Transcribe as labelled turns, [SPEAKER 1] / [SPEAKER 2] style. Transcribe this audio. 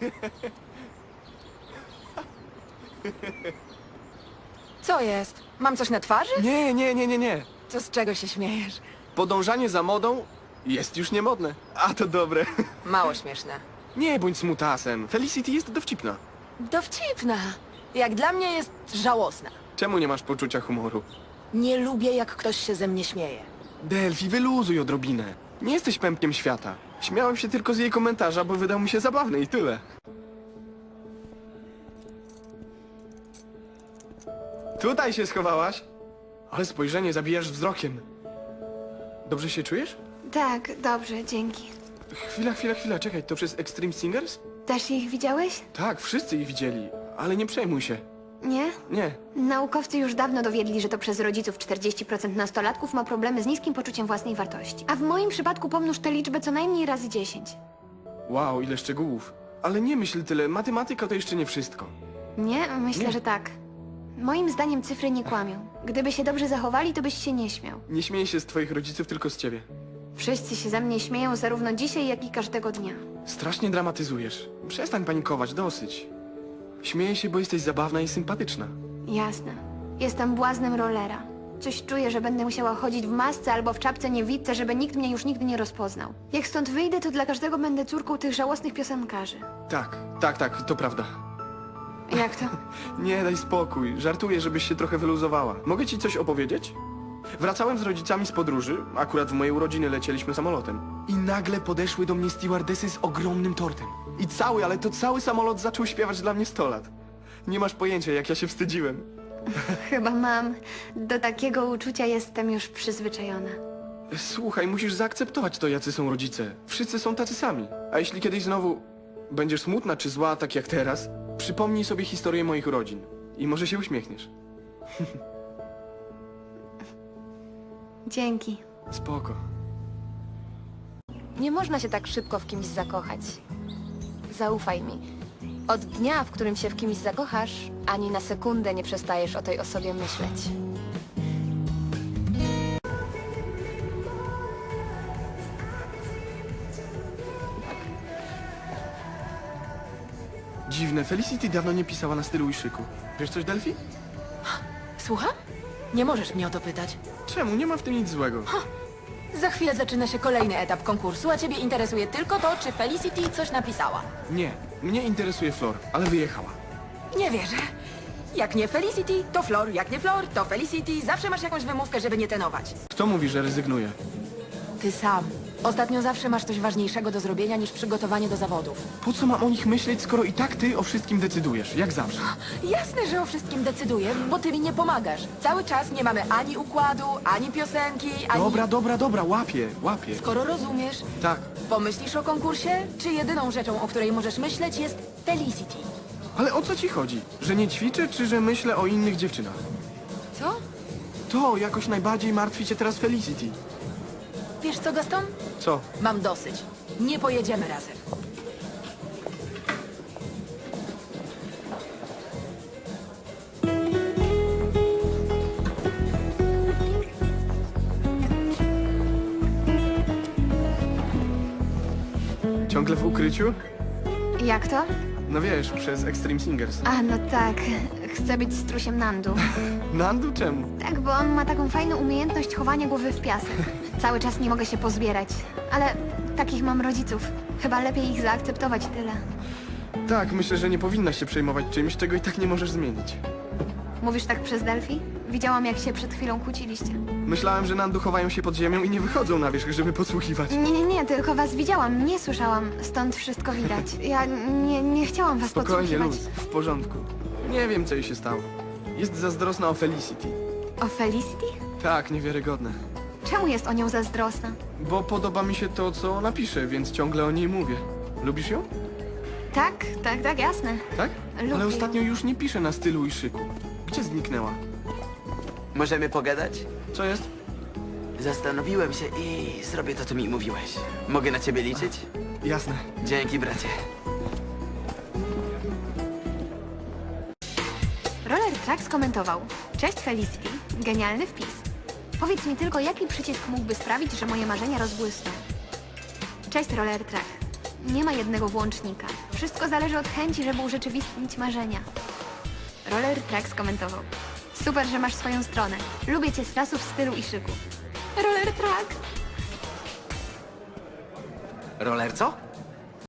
[SPEAKER 1] Co jest? Mam coś na twarzy?
[SPEAKER 2] Nie.
[SPEAKER 1] To z czego się śmiejesz?
[SPEAKER 2] Podążanie za modą jest już niemodne. A to dobre.
[SPEAKER 1] Mało śmieszne.
[SPEAKER 2] Nie bądź smutasem. Felicity jest dowcipna.
[SPEAKER 1] Dowcipna. Jak dla mnie jest żałosna.
[SPEAKER 2] Czemu nie masz poczucia humoru?
[SPEAKER 1] Nie lubię, jak ktoś się ze mnie śmieje.
[SPEAKER 2] Delphi, wyluzuj odrobinę. Nie jesteś pępkiem świata. Śmiałem się tylko z jej komentarza, bo wydał mi się zabawny i tyle. Tutaj się schowałaś? Ale spojrzenie zabijasz wzrokiem. Dobrze się czujesz?
[SPEAKER 3] Tak, dobrze, dzięki.
[SPEAKER 2] Chwila, czekaj, to przez Extreme Singers?
[SPEAKER 3] Też ich widziałeś?
[SPEAKER 2] Tak, wszyscy ich widzieli, ale nie przejmuj się.
[SPEAKER 3] Nie?
[SPEAKER 2] Nie,
[SPEAKER 3] Naukowcy już dawno dowiedli, że to przez rodziców 40% nastolatków ma problemy z niskim poczuciem własnej wartości. A w moim przypadku pomnóż tę liczbę co najmniej razy 10.
[SPEAKER 2] wow, ile szczegółów. Ale nie myśl tyle, matematyka to jeszcze nie wszystko.
[SPEAKER 3] Nie? Myślę,
[SPEAKER 2] Nie.
[SPEAKER 3] że tak. Moim zdaniem cyfry nie kłamią. Gdyby się dobrze zachowali, to byś się nie śmiał.
[SPEAKER 2] Nie śmieję się z twoich rodziców, tylko z ciebie.
[SPEAKER 3] Wszyscy się ze mnie śmieją zarówno dzisiaj, jak i każdego dnia.
[SPEAKER 2] Strasznie dramatyzujesz. Przestań panikować, dosyć. Śmieję się, bo jesteś zabawna i sympatyczna.
[SPEAKER 3] Jasne. Jestem błaznem rollera. Coś czuję, że będę musiała chodzić w masce albo w czapce niewidce, żeby nikt mnie już nigdy nie rozpoznał. Jak stąd wyjdę, to dla każdego będę córką tych żałosnych piosenkarzy.
[SPEAKER 2] Tak, to prawda.
[SPEAKER 3] Jak to?
[SPEAKER 2] Nie, daj spokój. Żartuję, żebyś się trochę wyluzowała. Mogę ci coś opowiedzieć? Wracałem z rodzicami z podróży, akurat w moje urodziny lecieliśmy samolotem. I nagle podeszły do mnie stewardesy z ogromnym tortem. I ale to cały samolot zaczął śpiewać dla mnie 100 lat. Nie masz pojęcia, jak ja się wstydziłem.
[SPEAKER 3] Chyba mam. Do takiego uczucia jestem już przyzwyczajona.
[SPEAKER 2] Słuchaj, musisz zaakceptować to, jacy są rodzice. Wszyscy są tacy sami. A jeśli kiedyś znowu będziesz smutna czy zła, tak jak teraz, przypomnij sobie historię moich urodzin. I może się uśmiechniesz.
[SPEAKER 3] Dzięki.
[SPEAKER 2] Spoko.
[SPEAKER 4] Nie można się tak szybko w kimś zakochać. Zaufaj mi. Od dnia, w którym się w kimś zakochasz, ani na sekundę nie przestajesz o tej osobie myśleć.
[SPEAKER 2] Dziwne, Felicity dawno nie pisała na stylu i szyku. Wiesz coś, Delphi?
[SPEAKER 1] Słucham? Nie możesz mnie o to pytać.
[SPEAKER 2] Czemu? Nie ma w tym nic złego.
[SPEAKER 1] Za chwilę zaczyna się kolejny etap konkursu, a ciebie interesuje tylko to, czy Felicity coś napisała.
[SPEAKER 2] Nie, mnie interesuje Flor, ale wyjechała.
[SPEAKER 1] Nie wierzę. Jak nie Felicity, to Flor. Jak nie Flor, to Felicity. Zawsze masz jakąś wymówkę, żeby nie trenować.
[SPEAKER 2] Kto mówi, że rezygnuje?
[SPEAKER 1] Ty sam. Ostatnio zawsze masz coś ważniejszego do zrobienia niż przygotowanie do zawodów.
[SPEAKER 2] Po co mam o nich myśleć, skoro i tak ty o wszystkim decydujesz, jak zawsze?
[SPEAKER 1] Jasne, że o wszystkim decyduję, bo ty mi nie pomagasz. Cały czas nie mamy ani układu, ani piosenki, ani...
[SPEAKER 2] Dobra, łapię.
[SPEAKER 1] Skoro rozumiesz,
[SPEAKER 2] Tak,
[SPEAKER 1] pomyślisz o konkursie, czy jedyną rzeczą, o której możesz myśleć, jest Felicity?
[SPEAKER 2] ale o co ci chodzi? Że nie ćwiczę, czy że myślę o innych dziewczynach?
[SPEAKER 1] Co?
[SPEAKER 2] To jakoś najbardziej martwi cię teraz Felicity.
[SPEAKER 1] Wiesz co, Gaston?
[SPEAKER 2] Co?
[SPEAKER 1] Mam dosyć. Nie pojedziemy razem.
[SPEAKER 2] Ciągle w ukryciu?
[SPEAKER 3] Jak to?
[SPEAKER 2] No wiesz, przez Extreme Singers.
[SPEAKER 3] A, no tak. Chcę być strusiem Nandu.
[SPEAKER 2] Nandu czemu?
[SPEAKER 3] Tak, bo on ma taką fajną umiejętność chowania głowy w piasek. Cały czas nie mogę się pozbierać. Ale takich mam rodziców. Chyba lepiej ich zaakceptować tyle.
[SPEAKER 2] Tak, myślę, że nie powinnaś się przejmować czymś, czego i tak nie możesz zmienić.
[SPEAKER 3] Mówisz tak przez Delphi? Widziałam, jak się przed chwilą kłóciliście.
[SPEAKER 2] Myślałem, że Nandu chowają się pod ziemią i nie wychodzą na wierzch, żeby podsłuchiwać.
[SPEAKER 3] Nie, tylko was widziałam, nie słyszałam. Stąd wszystko widać. Ja nie chciałam was
[SPEAKER 2] Spokojnie,
[SPEAKER 3] podsłuchiwać.
[SPEAKER 2] luz, w porządku. Nie wiem, co jej się stało. Jest zazdrosna o Felicity.
[SPEAKER 3] O Felicity?
[SPEAKER 2] Tak, niewiarygodne.
[SPEAKER 3] Czemu jest o nią zazdrosna?
[SPEAKER 2] Bo podoba mi się to, co ona pisze, więc ciągle o niej mówię. Lubisz ją?
[SPEAKER 3] Tak, jasne.
[SPEAKER 2] Tak?
[SPEAKER 3] Lubię
[SPEAKER 2] Ale
[SPEAKER 3] ją.
[SPEAKER 2] ostatnio już nie pisze na stylu i szyku. Gdzie zniknęła?
[SPEAKER 5] Możemy pogadać?
[SPEAKER 2] Co jest?
[SPEAKER 5] Zastanowiłem się i zrobię to, co mi mówiłeś. Mogę na ciebie liczyć?
[SPEAKER 2] Jasne.
[SPEAKER 5] Dzięki, bracie.
[SPEAKER 3] Roller Track skomentował. Cześć Felicity, genialny wpis. Powiedz mi tylko, jaki przycisk mógłby sprawić, że moje marzenia rozbłysną. Cześć Roller Track. Nie ma jednego włącznika. Wszystko zależy od chęci, żeby urzeczywistnić marzenia. Roller Track skomentował. Super, że masz swoją stronę. Lubię cię z czasów stylu i szyku.
[SPEAKER 1] Roller track?
[SPEAKER 5] Roller co?